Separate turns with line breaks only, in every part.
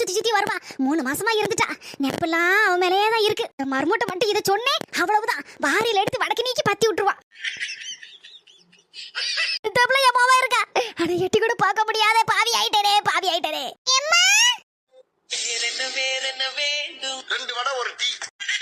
சுத்தி சுத்தி வருவா. 3 மாசமா இருந்துட்டா. நெப்பெல்லாம் அவன் மேலேயே தான் இருக்கு. மர்மூட்டை மட்டும் இதை சொன்னேன், அவ்வளவுதான். வாரியில எடுத்து வடக்கு நீக்கி பத்தி விட்டுருவா. தப்புல என் மாமா இருக்கா. அட எட்டி கூட பார்க்க முடியாத பாவி ஆயிட்டேனே, பாவி ஆயிட்டேனே. எம்மா
வேறென்ன வேண்டும்? 2 வடை ஒரு டீ.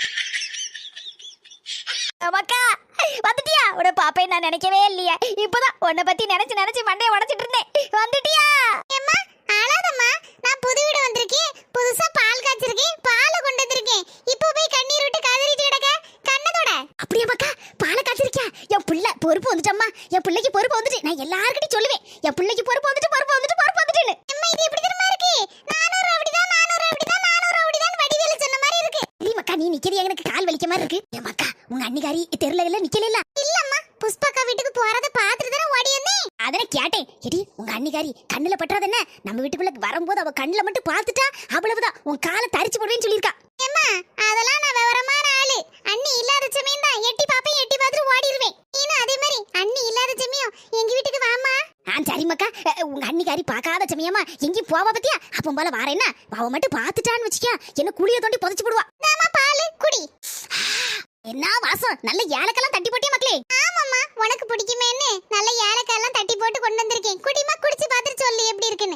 அம்மாக்கா வந்துட்டியா? உன்னை பாப்பேன் நான் நினைக்கவே இல்லையா. இப்பதான் உன்னை பத்தி நினைச்சு நினைச்சு மண்டையை உடைச்சிட்டு இருந்தேன். வந்துட்டியா? எம்மா ஆளாதம்மா, நான் புது வீடு வந்திருக்கேன். புதுசா பால் காய்ச்சிருக்கேன். பாலை கொண்டு வந்திருக்கேன். இப்போ போய் கண்ணீர் விட்டு கதறிட்டு கிடக்க கண்ணதோட. அப்படியே மக்கா பாலை காய்ச்சிருக்கியா? என் பிள்ளை பொறுப்பு வந்துட்டம்மா. என் பிள்ளைக்கு பொறுப்பு வந்துட்டு. நான் எல்லார்கிட்டையும் சொல்லுவேன், என் பிள்ளைக்கு பொறுப்பு வந்துட்டு பொறுப்பு வந்துட்டு பொறுப்பு வந்துட்டுன்னு. அம்மா இது எப்படி தெரியுமா இருக்கு? 400 அப்படிதான் 400 அப்படிதான் 400 அப்படிதான் வடிவேலு சொன்ன மாதிரி இருக்கு. இல்ல மக்கா, நீ நிக்கிறது எனக்கு கால் வலிக்க மாதிரி இருக்கு. ஏ மக்கா, உங்க அண்ணிகாரி தெருல எல்லாம் நிக்கல. இல்லம்மா, புஷ்பக்கா வீட்டுக்கு போறத பாத்துட்டு தான ஓடி வந்தேன். அதனை கேட்டேன். எடி உங்க அண்ணிகாரி கண்ணுல பற்றாத என்ன? நம்ம வீட்டுக்குள்ள வரும்போது அவ கண்ணுல மட்டும் பாத்துட்டா அவ்வளவுதான், உன் காலை தரிச்சு போடுவேன்னு சொல்லிருக்கா. ஏம்மா அதெல்லாம் நான் விவரமான ஆளு. அண்ணி இல்லாத சமயம் தான் எட்டி பாப்பேன், எட்டி பார்த்துட்டு ஓடிடுவேன். நீனும் அதே மாதிரி அண்ணி இல்லாத சமயம் எங்க வீட்டுக்கு வாமா. சரி மக்கா, உங்க அண்ணிகாரி பார்க்காத சமயமா எங்கேயும் போவா பத்தியா? அப்போ போல வாரேன்னா அவ மட்டும் பாத்துட்டான்னு வச்சுக்கா, என்ன குளிய தோண்டி புதைச்சு போடுவா. பாலு குடி. என்ன வாசம், நல்ல ஏலக்கெல்லாம் தட்டி போட்டியா மக்களே? ஆமாம்மா, உனக்கு பிடிக்குமேன்னு நல்ல ஏலக்காயெல்லாம் தட்டி போட்டு கொண்டு வந்திருக்கேன். குடிமா, குடிச்சு பார்த்துட்டு சொல்லு எப்படி இருக்குன்னு.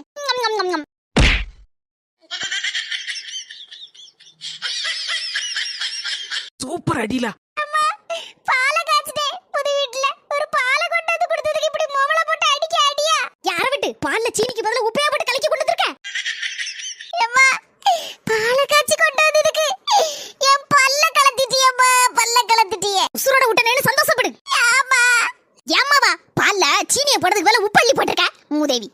சூப்பர் அடிலா.
அம்மா பாலை காய்ச்சிட்டேன். புது வீட்ல ஒரு பாலை கொண்டு வந்து கொடுத்ததுக்கு இப்படி மோவள போட்டு அடிக்க அடியா. யார விட்டு பால்ல சீனிக்கு பதிலா உப்பையா போட்டு கலக்கி கொண்டு வந்திருக்க? அம்மா பாலை காய்ச்சி கொண்டு வந்ததுக்கு என் பல்ல கலத்திட்டியம்மா, பல்ல கலத்திட்டியே. உசுரோட விட்டனேன்னு சந்தோஷப்படு. ஆமா ஏம்மாவா பால்ல சீனியை போடுறதுக்கு பதிலா உப்பு அள்ளி போட்டிருக்க மூதேவி.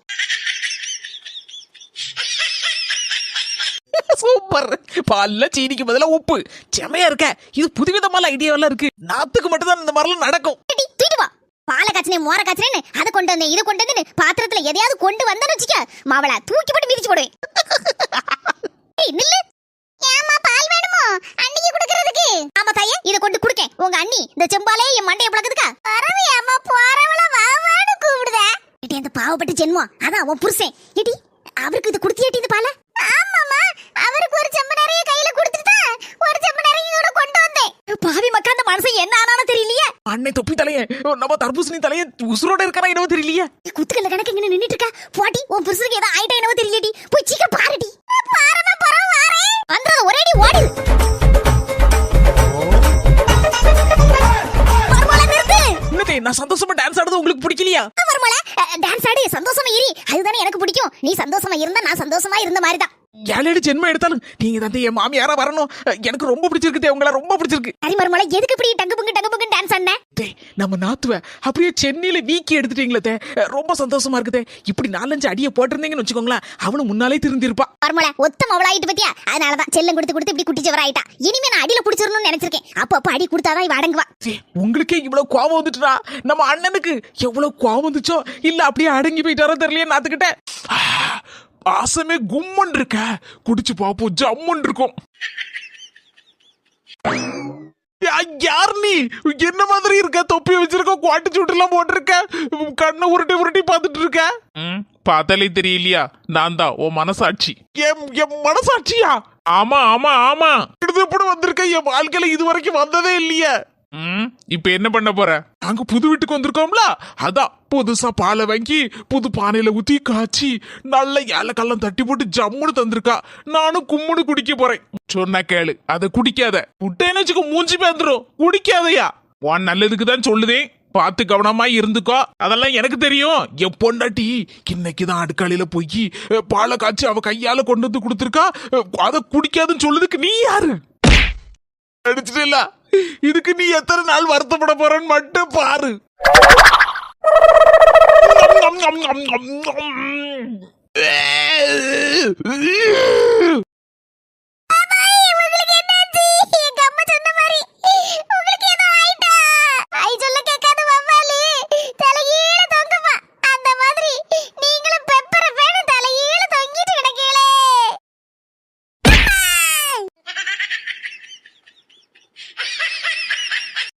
சூப்பர். பால்ல சீனிக்கு பதிலா உப்பு. செமையா இருக்க. இது புதுவிதமான ஐடியாவெல்லாம் இருக்கு. நாத்துக்கு மட்டும் தான் இந்த மாதிரிலாம் நடக்கும்.
தூக்கிட்டு வா. பாலை காய்ச்சினே மோர காய்ச்சினேன்னு அதை கொண்டு வந்தேன், இதை கொண்டு வந்து பாத்திரத்துல எதையாவது கொண்டு வந்தேன்னு வச்சுக்க, மாவளை தூக்கி போட்டு மிதிச்சு போடுவேன். நில்லு. ஏமா பால் வேணுமோ அண்ணிக்கு குடுக்கிறதுக்கு? ஆமா தாயே, இத கொண்டு குடுக்கேன். உங்க அண்ணி இந்த செம்பாலே என் மண்டைய பழக்குதுக்கா. பரவியாமா போறவள வாவான்னு கூப்பிடுதே. இடி அந்த பாவப்பட்ட ஜென்மம், அதான் உன் புருஷன். இடி அவருக்கு இது குடுத்தியேட்டி இந்த பாலை? ஆமாமா, அவருக்கு ஒரு செம்பு நிறைய கையில கொடுத்துட்டா ஒரு செம்பு நிறைய கூட கொண்டு வந்தேன். பாவி மக்கா, அந்த மனுஷன் என்ன ஆனானோ தெரியலையே.
அன்னை தொப்பி தலையே, நம்ம தர்பூசணி தலையே உசுரோட இருக்கறா என்னவோ தெரியலையே.
குத்துக்கல்ல கணக்கு இங்க நின்னுட்டு இருக்கா. போடி உன் புருஷனுக்கு ஏதோ ஆயிட்டா என்னவோ தெரியலடி. போய் சீக்கிரம் பாருடி. பாருமா பரவ வாரே. வந்தற ஒரேடி ஓடி. மர்மல நிறுத்து.
என்னதே, நான் சந்தோஷமா டான்ஸ் ஆடுறது உங்களுக்கு பிடிக்கலையா?
மர்மல டான்ஸ் ஆடி சந்தோஷமா இரு, அதுதானே எனக்கு பிடிக்கும். நீ சந்தோஷமா இருந்தா நான் சந்தோஷமா இருந்த மாதிரி தான்.
ஏழு ஜென்மம் எடுத்தாலும் நீங்க தான் என் மாமியாரா வரணும். எனக்கு ரொம்ப பிடிச்சிருக்கு, உங்களை ரொம்ப பிடிச்சிருக்கு.
சரி மர்மல, எதுக்கு இப்படி டங்கு பங்கு டான்ஸ் ஆடுன?
நம்ம நாத்துவ அப்படியே சென்னையில வீக்கி எடுத்துட்டீங்களே, ரொம்ப சந்தோஷமா இருக்குதே. இப்படி 4-5 அடியை போட்டிருந்தீங்கன்னு வச்சுக்கோங்களேன், அவனு முன்னாலே திருந்திருப்பா.
மர்மல ஒத்தம் அவளாயிட்டு பத்தியா, அதனாலதான் செல்லம் கொடுத்து இப்படி குட்டிச்சவரா ஆயிட்டா. இனிமே நான் அடியில புடிச்சிடணும்னு நினைச்சிருக்கேன். அப்ப அடி கொடுத்தாதான் இவ அடங்குவா.
உங்களுக்கே இவ்வளவு கோபம் வந்துட்டுடா. நம்ம அண்ணனுக்கு எவ்வளவு கோபம் வந்துச்சோ, இல்ல அப்படியே அடங்கி போயிட்டாரோ தெரியலையே. நாத்துக்கிட்ட ஆசமே கும்மன் இருக்க, குடிச்சு பாப்போம் ஜம்முன் இருக்கும். யார் நீ? என்ன மாதிரி இருக்க? தொப்பி வச்சிருக்க, குவாட்டு சூட்டு எல்லாம் போட்டிருக்க, கண்ணை உருட்டி உருட்டி பாத்துட்டு இருக்க. பார்த்தாலே தெரியலையா? நான் தான் உன் மனசாட்சி. என் மனசாட்சியா? ஆமா ஆமா ஆமா. எப்படி வந்திருக்க? என் வாழ்க்கையில இது வரைக்கும் வந்ததே இல்லையே. இப்ப என்ன பண்ண போற? நாங்க புது வீட்டுக்கு வந்திருக்கோம்ல, அதான் புதுசா பாலை வாங்கி புது பானையில ஊத்தி காய்ச்சி நல்ல ஏலக்கெல்லாம் தட்டி போட்டு ஜம்முன்னு தந்திருக்கா. நானும் கும்முன்னு குடிக்க போறேன். சொன்ன கேளு, அதை குடிக்காத. விட்டேன்னு வச்சுக்க மூஞ்சி பேந்துரும். குடிக்காதையா? உன் நல்லதுக்கு தான் சொல்லுதேன், பார்த்து கவனமா இருந்துக்கோ. அதெல்லாம் எனக்கு தெரியும். என் பொண்டாட்டி இன்னைக்குதான் அடுக்காலையில போய் பாலை காய்ச்சி அவ கையால கொண்டு வந்து கொடுத்துருக்கா. அதை குடிக்காதுன்னு சொல்லுதுக்கு நீ யாரு? அடிச்சுட்டு இதுக்கு நீ எத்தனை நாள் வருத்தப்பட போறன்னு மட்டும் பாரு.